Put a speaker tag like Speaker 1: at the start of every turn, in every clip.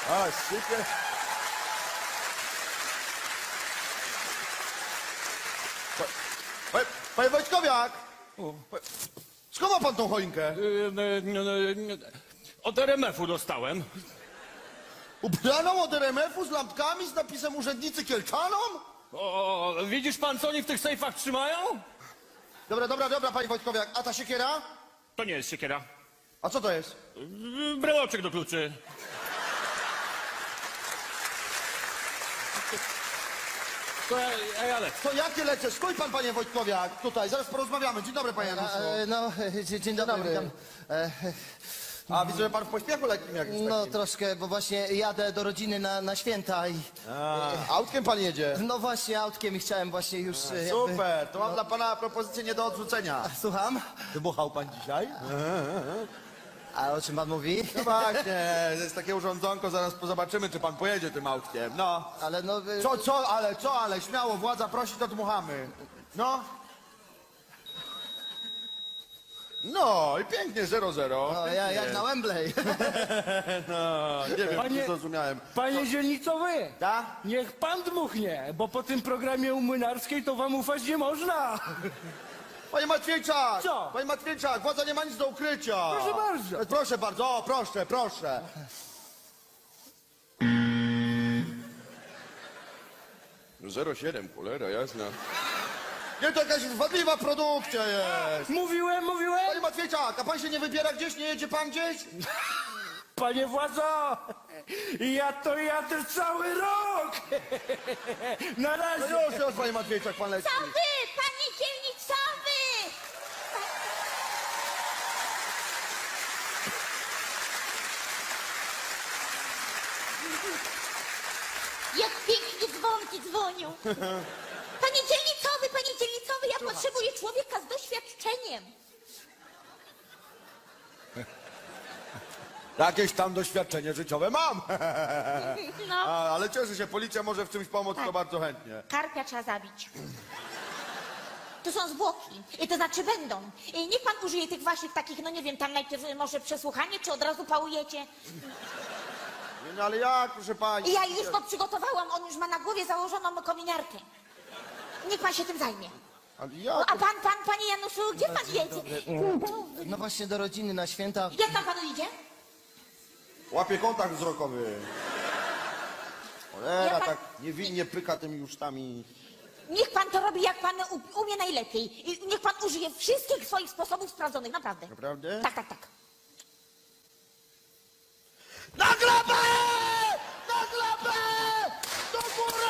Speaker 1: A, sypie. Panie Wojtkowiak! Skąd ma pan tą choinkę?
Speaker 2: Od RMF-u dostałem.
Speaker 1: Ubraną od RMF-u z lampkami z napisem urzędnicy Kielczanom?
Speaker 2: O, widzisz pan, co oni w tych sejfach trzymają?
Speaker 1: Dobra, panie Wojtkowiak. A ta siekiera?
Speaker 2: To nie jest siekiera.
Speaker 1: A co to jest?
Speaker 2: Breloczek do kluczy. To ja lecę.
Speaker 1: To jakie lecę? Stój pan, panie Wojtkowiak, tutaj, zaraz porozmawiamy. Dzień dobry, panie Januszu.
Speaker 3: Dzień dobry.
Speaker 1: dobry.
Speaker 3: Witam.
Speaker 1: A, widzę, że pan w pośpiechu lekkim jakimś
Speaker 3: No
Speaker 1: takim.
Speaker 3: troszkę, bo właśnie jadę do rodziny na święta i...
Speaker 1: Autkiem pan jedzie?
Speaker 3: No właśnie autkiem i chciałem właśnie już jakby...
Speaker 1: Super, to mam dla pana propozycję nie do odrzucenia.
Speaker 3: Słucham?
Speaker 1: Wybuchał pan dzisiaj?
Speaker 3: A o czym pan mówi?
Speaker 1: No właśnie, jest takie urządzonko, zaraz zobaczymy, czy pan pojedzie tym autkiem. No.
Speaker 3: Ale no...
Speaker 1: Ale, śmiało, władza prosi, to dmuchamy. No. No i pięknie, 0-0.
Speaker 3: No, jak na Wembley.
Speaker 1: No, nie wiem,
Speaker 4: Panie-
Speaker 1: czy zrozumiałem.
Speaker 4: Panie dzielnicowy,
Speaker 1: Tak?
Speaker 4: niech pan dmuchnie, bo po tym programie u Młynarskiej to wam ufać nie można.
Speaker 1: Panie Matwiejczak!
Speaker 4: Co?
Speaker 1: Panie Matwiejczak, władza nie ma nic do ukrycia.
Speaker 4: Proszę bardzo.
Speaker 1: Proszę bardzo, o, proszę. No 0,7, cholera, jasna. Nie, to jakaś wadliwa produkcja jest.
Speaker 4: Mówiłem.
Speaker 1: Panie Matwiejczak, a pan się nie wybiera gdzieś, nie jedzie pan gdzieś?
Speaker 4: Panie władzo, ja to jadę cały rok. Na
Speaker 1: No
Speaker 4: razie.
Speaker 1: już, panie Matwiejczak, pan leci.
Speaker 5: Co wy, panie dzielnicowy? Jak pięknie dzwonki dzwonią. Panie dzielnicowy, ja potrzebuję człowieka z doświadczeniem.
Speaker 1: Jakieś tam doświadczenie życiowe mam.
Speaker 5: No,
Speaker 1: Ale cieszę się, policja może w czymś pomóc, to bardzo chętnie.
Speaker 5: karpia trzeba zabić. To są zwłoki. To znaczy będą. Niech pan użyje tych waszych takich, no nie wiem, tam najpierw może przesłuchanie, czy od razu pałujecie.
Speaker 1: Nie, no ale jak, proszę pani?
Speaker 5: Ja już to przygotowałam, on już ma na głowie założoną kominiarkę. Niech pan się tym zajmie.
Speaker 1: Ale
Speaker 5: No,
Speaker 1: jak?
Speaker 5: a panie Januszu, gdzie pan jedzie?
Speaker 3: No właśnie do rodziny na święta.
Speaker 5: Jak tam panu idzie?
Speaker 1: Łapie kontakt wzrokowy. Cholera,
Speaker 5: Ja pan-
Speaker 1: tak niewinnie pyka tymi jusztami.
Speaker 5: Niech pan to robi, jak pan umie najlepiej. I niech pan użyje wszystkich swoich sposobów sprawdzonych, naprawdę.
Speaker 1: Naprawdę?
Speaker 5: Tak.
Speaker 1: Na glebę! Na glebę! Do góry!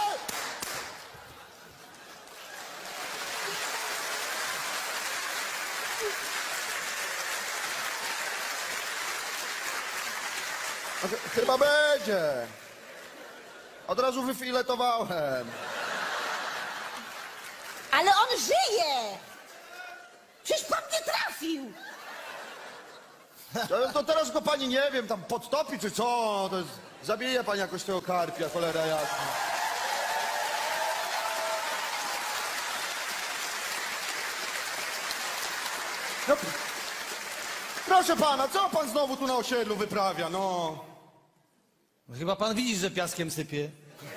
Speaker 1: Chyba będzie. Od razu wyfiletowałem.
Speaker 5: Ale on żyje! Przecież pan nie trafił!
Speaker 1: To teraz go pani, nie wiem, tam podtopi czy co? To jest, zabije pani jakoś tego karpia, cholera jasna. No, proszę pana, co pan znowu tu na osiedlu wyprawia, no?
Speaker 6: Chyba pan widzi, że piaskiem sypie.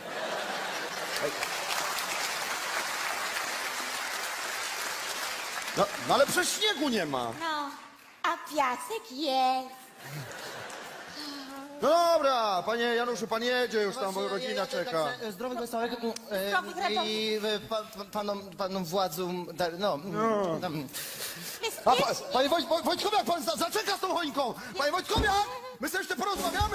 Speaker 1: No ale przecież śniegu nie ma.
Speaker 5: No, a piasek jest.
Speaker 1: No dobra, panie Januszu, pan jedzie już tam, bo rodzina czeka.
Speaker 3: Zdrowych, wesołych
Speaker 5: Zdrowych, radowych.
Speaker 3: i panom władzom, no...
Speaker 1: A,
Speaker 5: Bezpiecznie.
Speaker 1: panie Wojtkowiak, pan zaczeka z tą choinką! Panie Wojtkowiak, my sobie jeszcze porozmawiamy!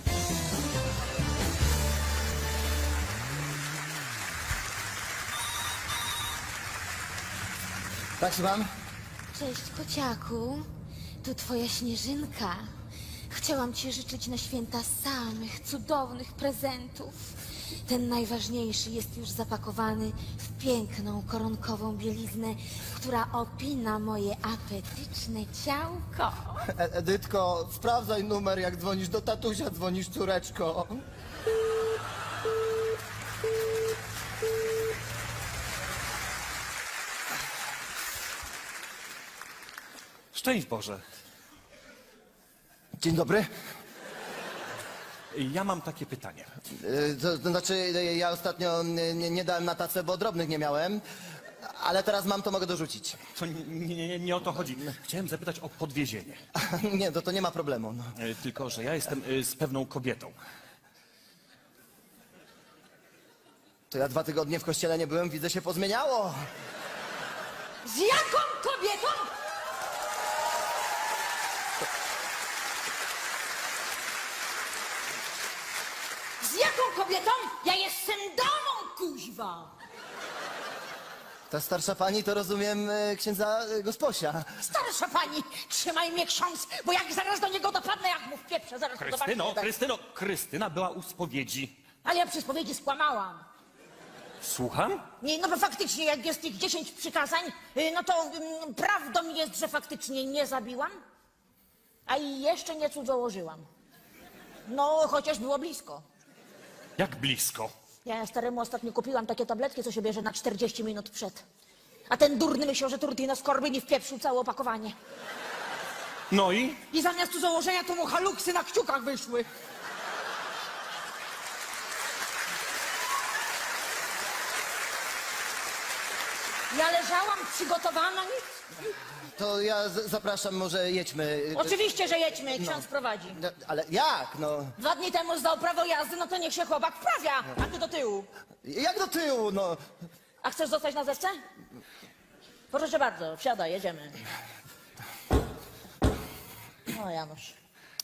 Speaker 3: Tak, słucham?
Speaker 5: Cześć, kociaku. Tu twoja Śnieżynka. Chciałam ci życzyć na święta samych cudownych prezentów. Ten najważniejszy jest już zapakowany w piękną koronkową bieliznę, która opina moje apetyczne ciałko.
Speaker 3: Edytko, sprawdzaj numer, jak dzwonisz do tatusia, dzwonisz córeczko.
Speaker 6: Szczęść Boże.
Speaker 3: Dzień dobry.
Speaker 2: Ja mam takie pytanie.
Speaker 3: To znaczy, ja ostatnio nie dałem na tacę, bo drobnych nie miałem, ale teraz mam, to mogę dorzucić.
Speaker 2: To nie o to chodzi. Chciałem zapytać o podwiezienie.
Speaker 3: Nie, to nie ma problemu. No.
Speaker 2: Tylko, że ja jestem z pewną kobietą.
Speaker 3: To ja 2 tygodnie w kościele nie byłem, widzę, się pozmieniało.
Speaker 5: Z jaką kobietą? Z jaką kobietą? Ja jestem damą, kuźwa!
Speaker 3: Ta starsza pani to rozumiem księdza Gosposia.
Speaker 5: Starsza pani, trzymaj mnie ksiądz, bo jak zaraz do niego dopadnę, jak mu w pieprze, zaraz to zobaczycie.
Speaker 2: Krystyna była u spowiedzi.
Speaker 5: Ale ja przy spowiedzi skłamałam.
Speaker 2: Słucham?
Speaker 5: Nie, no bo faktycznie, jak jest tych 10 przykazań, no to prawdą jest, że faktycznie nie zabiłam, a i jeszcze nie cudzołożyłam. No, chociaż było blisko.
Speaker 2: Jak blisko?
Speaker 5: Ja staremu ostatnio kupiłam takie tabletki, co się bierze na 40 minut przed. A ten durny myślał, że Turtino skorby nie wpieprzył całe opakowanie.
Speaker 2: No i?
Speaker 5: I zamiast założenia to mu haluksy na kciukach wyszły. Ja leżałam przygotowana, nic.
Speaker 3: To ja zapraszam, może jedźmy.
Speaker 5: Oczywiście, że jedźmy, ksiądz prowadzi.
Speaker 3: No, ale jak, no?
Speaker 5: 2 dni temu zdał prawo jazdy, no to niech się chłopak wprawia, a ty do tyłu.
Speaker 3: Jak do tyłu, no?
Speaker 5: A chcesz zostać na zewce? Proszę bardzo, wsiadaj, jedziemy. O, Janusz.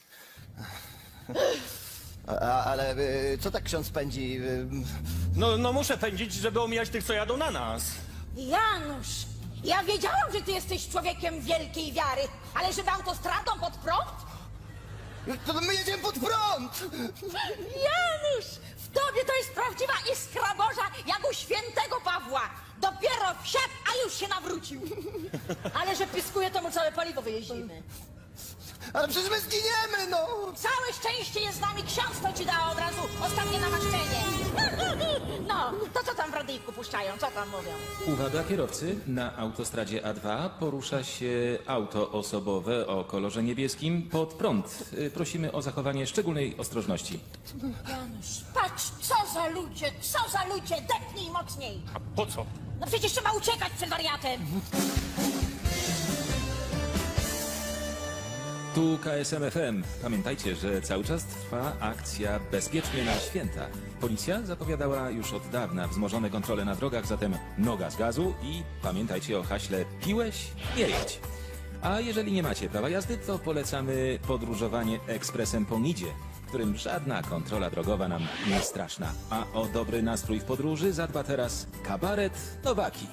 Speaker 3: Ale co tak ksiądz pędzi?
Speaker 2: No muszę pędzić, żeby omijać tych, co jadą na nas.
Speaker 5: Janusz, ja wiedziałam, że ty jesteś człowiekiem wielkiej wiary, ale żeby autostradą pod prąd?
Speaker 3: To my jedziemy pod prąd!
Speaker 5: Janusz, w tobie to jest prawdziwa iskra Boża, jak u świętego Pawła. Dopiero wsiadł, a już się nawrócił. Ale że pyskuje, to mu całe paliwo wyjeździmy.
Speaker 3: Ale przecież my zginiemy, no!
Speaker 5: Całe szczęście jest z nami, ksiądz to ci dał od razu ostatnie namaszczenie. No, to co tam w radyjku puszczają, co tam mówią?
Speaker 7: Uwaga kierowcy, na autostradzie A2 porusza się auto osobowe o kolorze niebieskim pod prąd. Prosimy o zachowanie szczególnej ostrożności.
Speaker 5: Janusz, patrz, co za ludzie, depnij mocniej.
Speaker 2: A po co?
Speaker 5: No przecież trzeba uciekać przed wariatem.
Speaker 7: Tu KSM FM. Pamiętajcie, że cały czas trwa akcja Bezpiecznie na święta. Policja zapowiadała już od dawna wzmożone kontrole na drogach, zatem noga z gazu i pamiętajcie o haśle piłeś, nie jedź. A jeżeli nie macie prawa jazdy, to polecamy podróżowanie ekspresem po Nidzie, w którym żadna kontrola drogowa nam nie straszna. A o dobry nastrój w podróży zadba teraz kabaret Nowaki.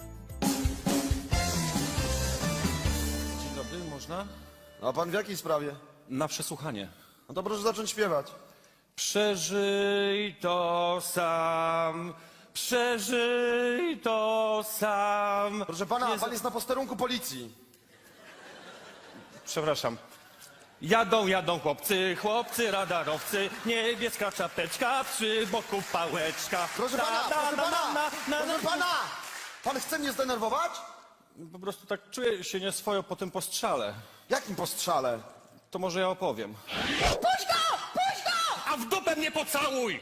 Speaker 2: Dzień dobry, można?
Speaker 1: A pan w jakiej sprawie?
Speaker 2: Na przesłuchanie.
Speaker 1: No to proszę zacząć śpiewać.
Speaker 2: Przeżyj to sam, przeżyj to sam.
Speaker 1: Proszę pana,
Speaker 2: Nie
Speaker 1: pan jest na posterunku policji.
Speaker 2: Przepraszam. Jadą chłopcy, radarowcy, niebieska czapeczka, przy boku pałeczka.
Speaker 1: Proszę pana, proszę pana! Pan chce mnie zdenerwować?
Speaker 2: Po prostu tak czuję się nieswojo po tym postrzale.
Speaker 1: Jakim postrzale?
Speaker 2: To może ja opowiem.
Speaker 5: Puść go! Puść go!
Speaker 2: A w dupę mnie pocałuj!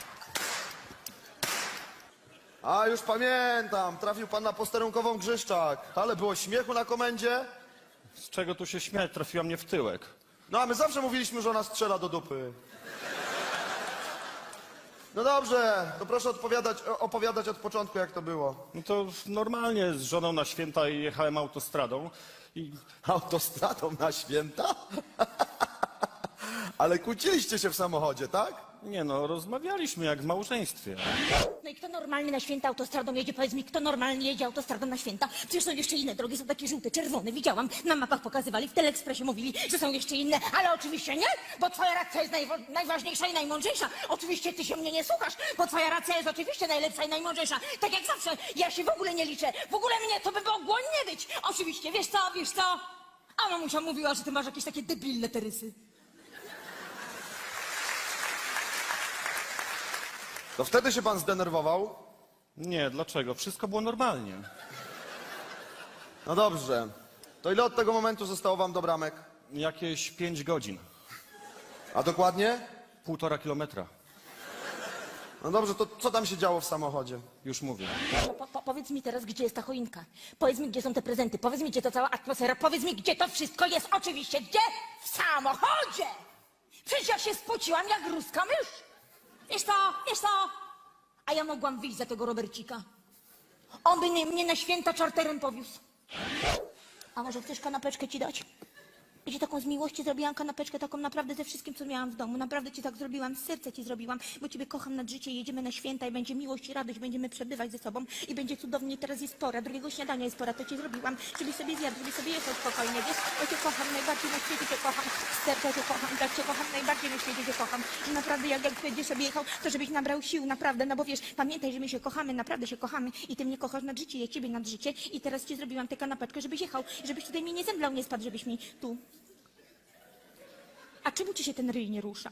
Speaker 1: A już pamiętam, trafił pan na posterunkową Grzyszczak. Ale było śmiechu na komendzie.
Speaker 2: Z czego tu się śmiać? Trafiła mnie w tyłek.
Speaker 1: No a my zawsze mówiliśmy, że ona strzela do dupy. No dobrze, to proszę opowiadać od początku, jak to było.
Speaker 2: No to normalnie z żoną na święta jechałem autostradą i
Speaker 1: Autostradą na święta? Ale kłóciliście się w samochodzie, tak?
Speaker 2: nie no, rozmawialiśmy jak w małżeństwie.
Speaker 5: No i kto normalny na święta autostradą jedzie? Powiedz mi, kto normalnie jedzie autostradą na święta? Przecież są jeszcze inne drogi, są takie żółte, czerwone, widziałam. Na mapach pokazywali, w Teleekspresie mówili, że są jeszcze inne, ale oczywiście nie, bo twoja racja jest najważniejsza i najmądrzejsza. Oczywiście ty się mnie nie słuchasz, bo twoja racja jest oczywiście najlepsza i najmądrzejsza. Tak jak zawsze, ja się w ogóle nie liczę, w ogóle mnie to by mogło nie być. Oczywiście, wiesz co? A mamusia mówiła, że ty masz jakieś takie debilne te rysy.
Speaker 1: To wtedy się pan zdenerwował?
Speaker 2: Nie, dlaczego? Wszystko było normalnie.
Speaker 1: No dobrze. To ile od tego momentu zostało wam do bramek?
Speaker 2: Jakieś 5 godzin.
Speaker 1: A dokładnie?
Speaker 2: 1,5 kilometra.
Speaker 1: No dobrze, to co tam się działo w samochodzie?
Speaker 2: Już mówię.
Speaker 8: No, powiedz mi teraz, gdzie jest ta choinka. Powiedz mi, gdzie są te prezenty. Powiedz mi, gdzie to cała atmosfera. Powiedz mi, gdzie to wszystko jest. Oczywiście, gdzie? W samochodzie! Przecież ja się spociłam jak ruska mysz. Wiesz co? A ja mogłam wyjść za tego Robercika. On by mnie na święta czarterem powiózł. A może chcesz kanapeczkę ci dać? Ja ci taką z miłości zrobiłam kanapeczkę, taką naprawdę ze wszystkim, co miałam w domu. Naprawdę ci tak zrobiłam, z serca ci zrobiłam, bo ciebie kocham nad życie, jedziemy na święta i będzie miłość i radość, będziemy przebywać ze sobą i będzie cudownie. Teraz jest pora, drugiego śniadania jest pora, to ci zrobiłam, żebyś sobie zjadł, żebyś sobie jechał spokojnie, wiesz? Ja cię kocham, najbardziej na świecie cię kocham, z serca cię kocham, tak cię kocham, najbardziej na świecie cię kocham. I naprawdę jak będziesz sobie jechał, to żebyś nabrał sił, naprawdę, no bo wiesz, pamiętaj, że my się kochamy, naprawdę się kochamy i ty mnie kochasz nad życie, ja ciebie nad życie i teraz ci zrobiłam tę kanapeczkę, żebyś jechał, żebyś tutaj mnie nie zemdlał, nie spadł, żebyś mi tu... A czemu ci się ten ryj nie rusza?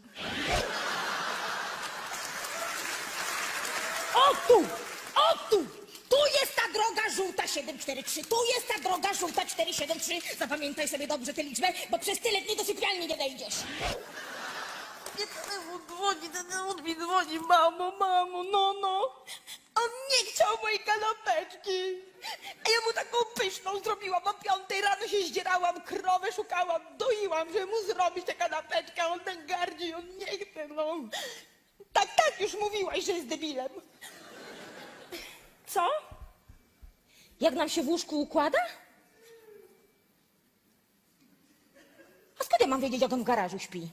Speaker 8: O tu! O tu! Tu jest ta droga żółta 743, tu jest ta droga żółta 473. Zapamiętaj sobie dobrze tę liczbę, bo przez tyle dni do sypialni nie wejdziesz.
Speaker 4: Telefon mi dzwoni, mamo, no. On nie chciał mojej kanapeczki. A ja mu taką pyszną zrobiłam. O 5 rano się zdzierałam, krowę szukałam, doiłam, żeby mu zrobić tę kanapeczkę. On tak gardzi, on nie chce, no. Tak, już mówiłaś, że jest debilem.
Speaker 8: Co? Jak nam się w łóżku układa? A skąd ja mam wiedzieć, jak on w garażu śpi?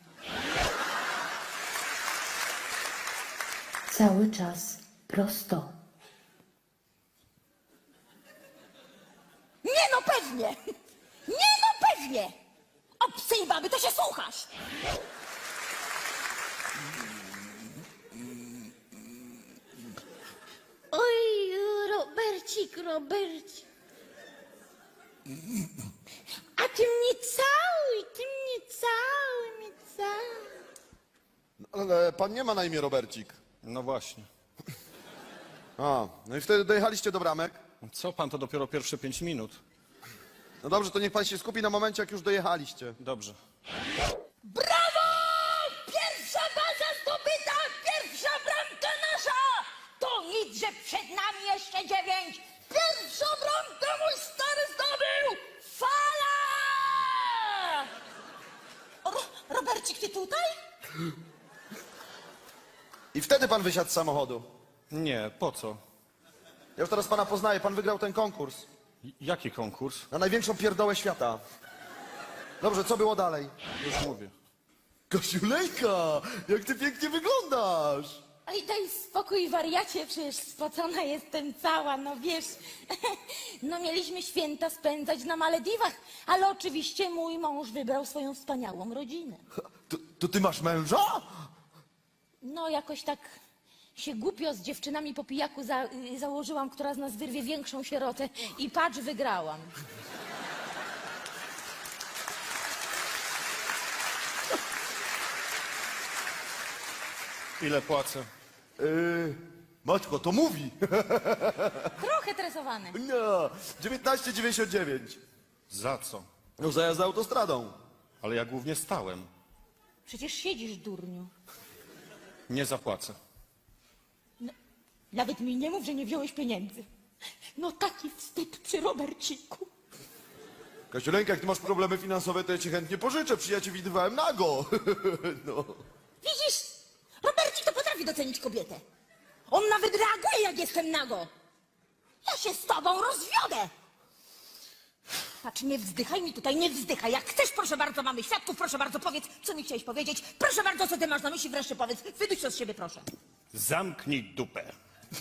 Speaker 9: Cały czas prosto.
Speaker 8: Nie no pewnie! Nie no pewnie! Obcej baby, to się słuchasz!
Speaker 5: Oj, Robercik. A ty mnie całuj.
Speaker 1: Ale pan nie ma na imię Robercik.
Speaker 2: No właśnie.
Speaker 1: A, no i wtedy dojechaliście do bramek?
Speaker 2: Co pan, to dopiero pierwsze 5 minut.
Speaker 1: No dobrze, to niech pan się skupi na momencie, jak już dojechaliście.
Speaker 2: Dobrze.
Speaker 8: Brawo! Pierwsza baza zdobyta! Pierwsza bramka nasza! To nic, że przed nami jeszcze 9! Pierwszą bramkę mój stary zdobył! Fala! Robercik, ty tutaj?
Speaker 1: I wtedy pan wysiadł z samochodu.
Speaker 2: Nie, po co?
Speaker 1: Ja już teraz pana poznaję, pan wygrał ten konkurs.
Speaker 2: Jaki konkurs?
Speaker 1: Na największą pierdołę świata. Dobrze, co było dalej?
Speaker 2: Już mówię.
Speaker 1: Kasiulejka, jak ty pięknie wyglądasz!
Speaker 8: Oj, daj spokój, wariacie, przecież spocona jestem cała, no wiesz. No mieliśmy święta spędzać na Malediwach, ale oczywiście mój mąż wybrał swoją wspaniałą rodzinę.
Speaker 1: To ty masz męża?
Speaker 8: No jakoś tak się głupio z dziewczynami po pijaku założyłam, która z nas wyrwie większą sierotę i patrz, wygrałam.
Speaker 2: Ile płacę?
Speaker 1: Matko, to mówi.
Speaker 8: Trochę tresowane.
Speaker 1: No, 19,99.
Speaker 2: Za co?
Speaker 1: No za jazdę autostradą.
Speaker 2: Ale ja głównie stałem.
Speaker 8: Przecież siedzisz, durniu.
Speaker 2: Nie zapłacę.
Speaker 8: Nawet mi nie mów, że nie wziąłeś pieniędzy. No taki wstyd przy Roberciku.
Speaker 1: Kasiuleńka, jak ty masz problemy finansowe, to ja ci chętnie pożyczę. Ja cię widywałem nago. No.
Speaker 8: Widzisz, Robercik to potrafi docenić kobietę. On nawet reaguje, jak jestem nago. Ja się z tobą rozwiodę. Patrz, nie wzdychaj mi tutaj, nie wzdychaj. Jak chcesz, proszę bardzo, mamy świadków, proszę bardzo, powiedz, co mi chciałeś powiedzieć. Proszę bardzo, co ty masz na myśli, wreszcie powiedz. Wyduś to z siebie, proszę.
Speaker 2: Zamknij dupę.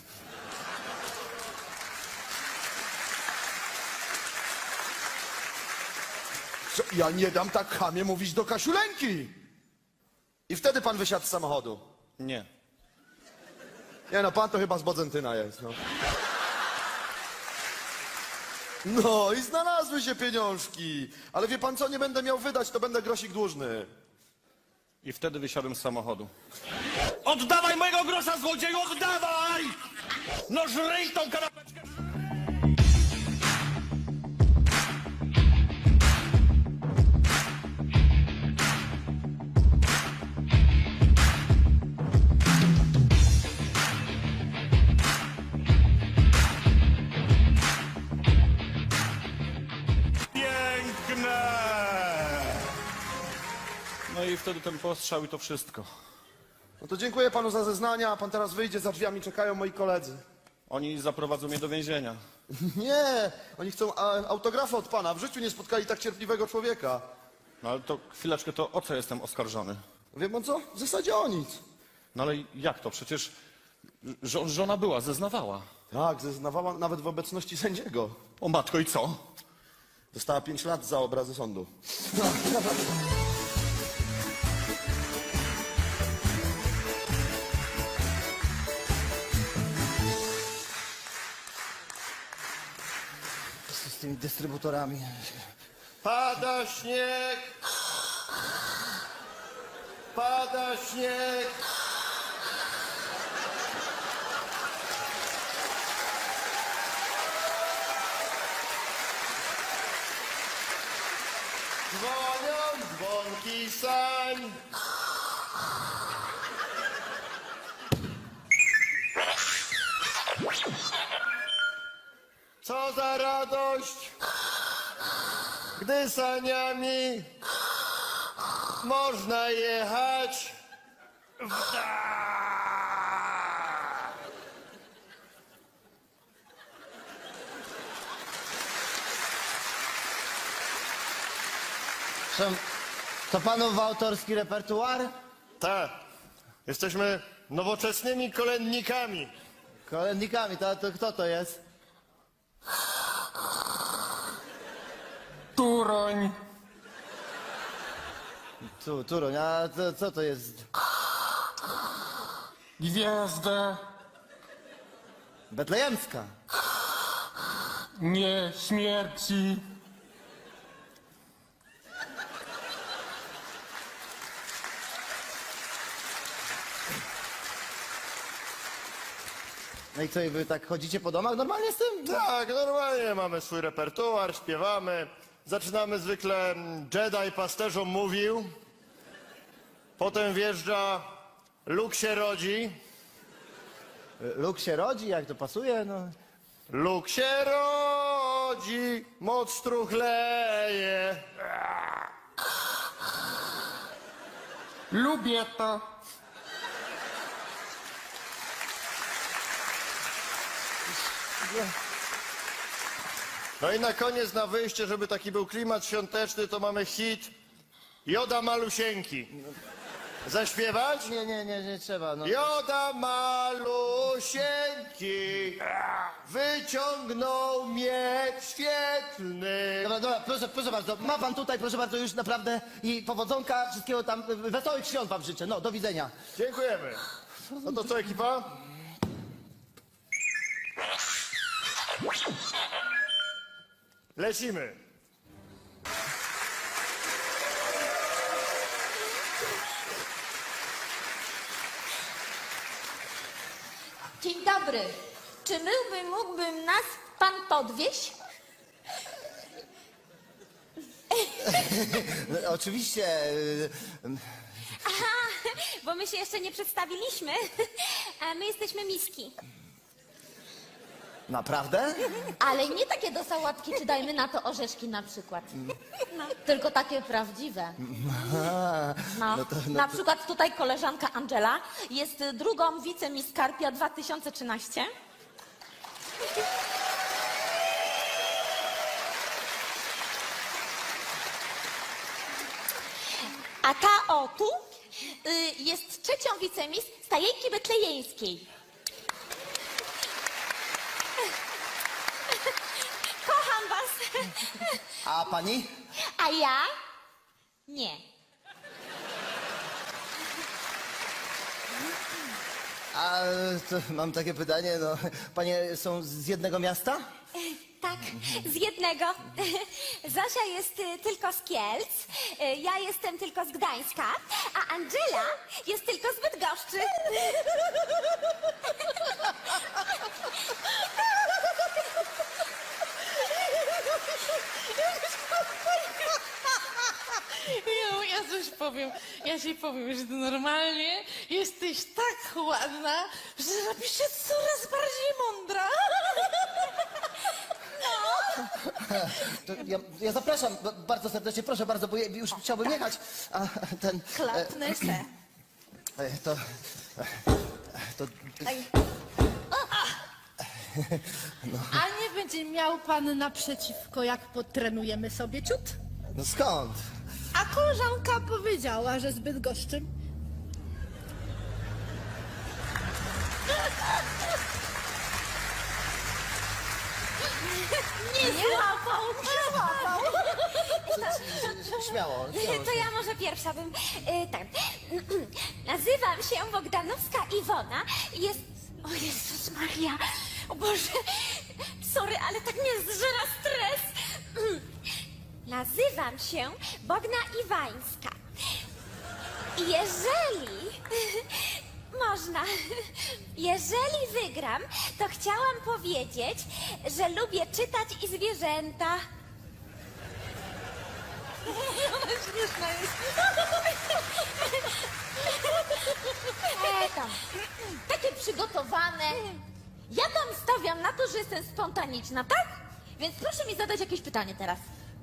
Speaker 1: Co? Ja nie dam tak chamie mówić do Kasiuleńki. I wtedy pan wysiadł z samochodu.
Speaker 2: Nie.
Speaker 1: Nie no, pan to chyba z Bodzentyna jest, no. No i znalazły się pieniążki. Ale wie pan co, nie będę miał wydać, to będę grosik dłużny.
Speaker 2: I wtedy wysiadłem z samochodu. Oddawaj mojego grosza, złodzieju, oddawaj! No żryj tą kanapeczkę! No i wtedy ten postrzał i to wszystko.
Speaker 1: No to dziękuję panu za zeznania, a pan teraz wyjdzie, za drzwiami czekają moi koledzy.
Speaker 2: Oni zaprowadzą mnie do więzienia.
Speaker 1: Nie, oni chcą autografu od pana. W życiu nie spotkali tak cierpliwego człowieka.
Speaker 2: No ale to chwileczkę, to o co jestem oskarżony?
Speaker 1: Wie pan co? W zasadzie o nic.
Speaker 2: No ale jak to? Przecież żona była, zeznawała.
Speaker 1: Tak, zeznawała nawet w obecności sędziego.
Speaker 2: O matko, i co?
Speaker 1: Dostała 5 lat za obrazy sądu.
Speaker 3: Z tymi dystrybutorami.
Speaker 1: Pada śnieg! Pada śnieg! Dzwonią dzwonki sań. Co za radość, gdy saniami można jechać w dal.
Speaker 3: To panów autorski repertuar?
Speaker 1: Tak, jesteśmy nowoczesnymi kolędnikami.
Speaker 3: Kolędnikami, to kto to jest?
Speaker 10: Turoń,
Speaker 3: Turoń, a co to jest?
Speaker 10: gwiazda,
Speaker 3: Betlejemska.
Speaker 10: nie śmierci.
Speaker 3: No i co, i wy tak chodzicie po domach normalnie z tym?
Speaker 1: Tak, normalnie mamy swój repertuar, śpiewamy. Zaczynamy zwykle Jedi pasterzom mówił. Potem wjeżdża Luke się rodzi.
Speaker 3: Luke się rodzi, jak to pasuje, no.
Speaker 1: Luke się rodzi, moc struchleje.
Speaker 10: Lubię to.
Speaker 1: No i na koniec, na wyjście, żeby taki był klimat świąteczny, to mamy hit Joda Malusieńki. Zaśpiewać?
Speaker 3: Nie trzeba, no.
Speaker 1: Joda Malusieńki wyciągnął miecz świetlny.
Speaker 3: Dobra, proszę bardzo, ma pan tutaj, proszę bardzo, już naprawdę i powodzonka, wszystkiego tam, wesołych świąt wam życzę, no, do widzenia.
Speaker 1: Dziękujemy. No to co, ekipa? Lecimy.
Speaker 5: Dzień dobry. Czy mógłby nas pan podwieźć?
Speaker 3: No, oczywiście,
Speaker 5: Aha, bo my się jeszcze nie przedstawiliśmy. A my jesteśmy miski.
Speaker 3: naprawdę?
Speaker 5: Ale nie takie do sałatki, czy dajmy na to orzeszki na przykład. No, tylko takie prawdziwe. No, na przykład tutaj koleżanka Angela jest drugą wicemiss Karpia 2013. A ta o tu jest trzecią wicemis Stajejki Betlejeńskiej. Kocham was.
Speaker 3: A pani?
Speaker 5: A ja? Nie.
Speaker 3: A to mam takie pytanie, no, panie są z jednego miasta?
Speaker 5: Tak, z jednego. Zosia jest tylko z Kielc, ja jestem tylko z Gdańska, a Angela jest tylko z Bydgoszczy.
Speaker 4: Ja ci powiem, że ty normalnie jesteś tak ładna, że robisz się coraz bardziej mądra.
Speaker 5: No,
Speaker 3: To ja zapraszam bardzo serdecznie, proszę bardzo, bo ja już chciałbym jechać. A ten...
Speaker 4: Klapnę se.
Speaker 11: A nie będzie miał pan naprzeciwko, jak potrenujemy sobie ciut?
Speaker 3: No skąd?
Speaker 11: A koleżanka powiedziała, że zbyt goszczym.
Speaker 5: Nie złapał, nie złapał.
Speaker 3: Śmiało.
Speaker 5: To ja może pierwsza bym... tak. Nazywam się Bogdanowska Iwona i jest... O Jezus Maria, o Boże, sorry, ale tak mnie zżera stres. Nazywam się Bogna Iwańska. I jeżeli... Można. Jeżeli wygram, to chciałam powiedzieć, że lubię czytać i zwierzęta. Ona śmieszna jest. Tam. Takie przygotowane. Ja tam stawiam na to, że jestem spontaniczna, tak? Więc proszę mi zadać jakieś pytanie teraz.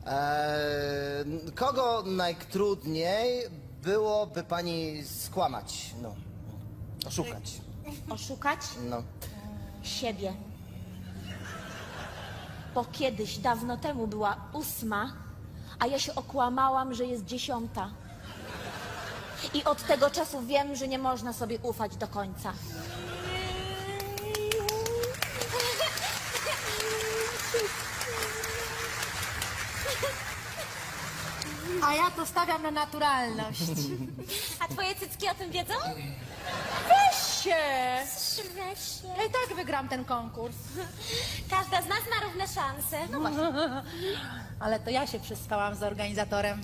Speaker 3: Kogo najtrudniej byłoby pani skłamać? No. Oszukać.
Speaker 8: Oszukać
Speaker 3: No.
Speaker 8: siebie. Bo kiedyś, dawno temu była 8, a ja się okłamałam, że jest 10. I od tego czasu wiem, że nie można sobie ufać do końca.
Speaker 11: A ja to stawiam na naturalność.
Speaker 5: A twoje cycki o tym wiedzą?
Speaker 11: Weź się!
Speaker 5: Weź się.
Speaker 11: Ja i tak wygram ten konkurs.
Speaker 5: Każda z nas ma równe szanse. No właśnie.
Speaker 11: Ale to ja się przespałam z organizatorem.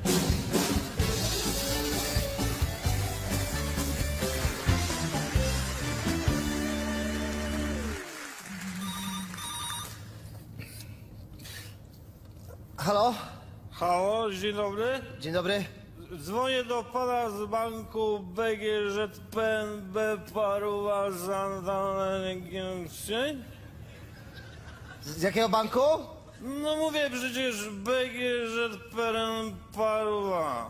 Speaker 3: Halo?
Speaker 2: Halo, dzień dobry.
Speaker 3: Dzień dobry.
Speaker 2: Dzwonię do pana z banku BGŻ PNB Paruwa Santander.
Speaker 3: Z jakiego banku?
Speaker 2: No mówię przecież BGŻ PNB Paruwa.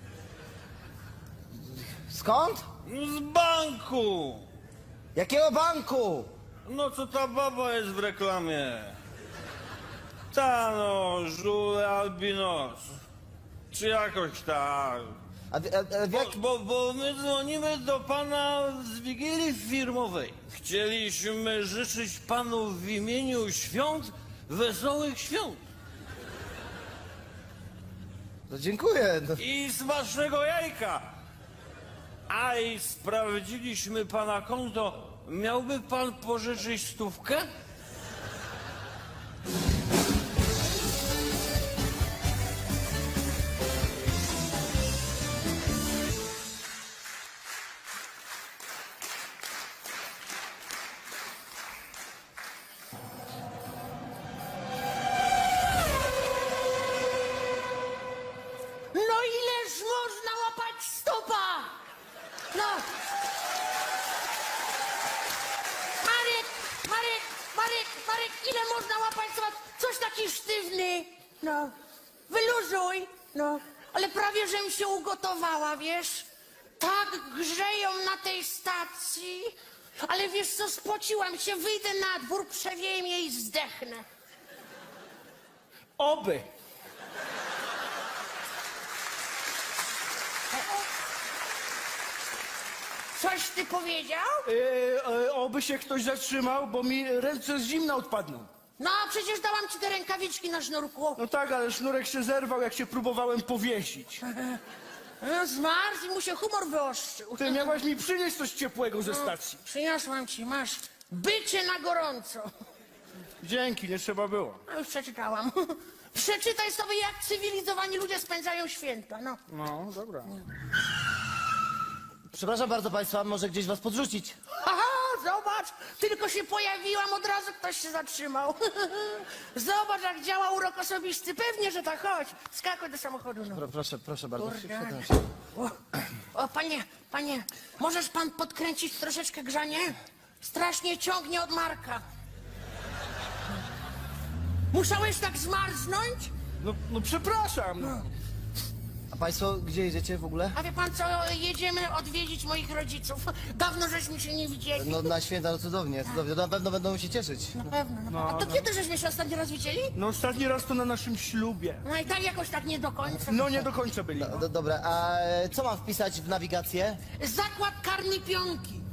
Speaker 3: Skąd?
Speaker 2: Z banku!
Speaker 3: Jakiego banku?
Speaker 2: No co ta baba jest w reklamie? Ta no, żule albinos. Czy jakoś tak.
Speaker 3: A w jak...
Speaker 2: Bo my dzwonimy do pana z Wigilii Firmowej. Chcieliśmy życzyć panu w imieniu świąt wesołych świąt.
Speaker 3: No dziękuję. No.
Speaker 2: I smacznego jajka. A i sprawdziliśmy pana konto. Miałby pan pożyczyć 100?
Speaker 11: No ileż można łapać stopa? No. Marek, ile można łapać stopa? Coś taki sztywny. No. Wyluzuj. No. Ale prawie, żem się ugotowała, wiesz? Tak grzeją na tej stacji. Ale wiesz co, spociłam się, wyjdę na dwór, przewieję mnie i zdechnę.
Speaker 10: Oby.
Speaker 11: Coś ty powiedział?
Speaker 10: Oby się ktoś zatrzymał, bo mi ręce z zimna odpadną.
Speaker 11: No, przecież dałam ci te rękawiczki na sznurku.
Speaker 10: No tak, ale sznurek się zerwał, jak się próbowałem powiesić.
Speaker 11: No, zmarzł i mu się humor wyostrzył.
Speaker 10: Ty miałaś mi przynieść coś ciepłego ze stacji.
Speaker 11: Przyniosłam ci, masz bycie na gorąco.
Speaker 10: Dzięki, nie trzeba było.
Speaker 11: No, już przeczytałam. Przeczytaj sobie, jak cywilizowani ludzie spędzają święta, no.
Speaker 10: No, dobra.
Speaker 3: Przepraszam bardzo państwa, może gdzieś was podrzucić.
Speaker 11: Aha, zobacz, tylko się pojawiłam, od razu ktoś się zatrzymał. Zobacz, jak działa urok osobisty. Pewnie, że tak, chodź. Skakuj do samochodu, no.
Speaker 3: Proszę bardzo.
Speaker 11: Kurde.
Speaker 3: Siadam się.
Speaker 11: O, panie, możesz pan podkręcić troszeczkę grzanie? Strasznie ciągnie od Marka. Musiałeś tak zmarznąć?
Speaker 10: No przepraszam. No.
Speaker 3: A państwo gdzie jedziecie w ogóle?
Speaker 11: A wie pan co, jedziemy odwiedzić moich rodziców. Dawno żeśmy się nie widzieli.
Speaker 3: No na święta, no cudownie, cudownie. Na pewno będą się cieszyć.
Speaker 11: Na pewno. A to kiedy żeśmy się ostatni raz widzieli?
Speaker 10: No ostatni raz to na naszym ślubie.
Speaker 11: No i tak jakoś tak nie do końca.
Speaker 10: No nie do końca byli.
Speaker 3: Dobra, a co mam wpisać w nawigację?
Speaker 11: Zakład karny pionki.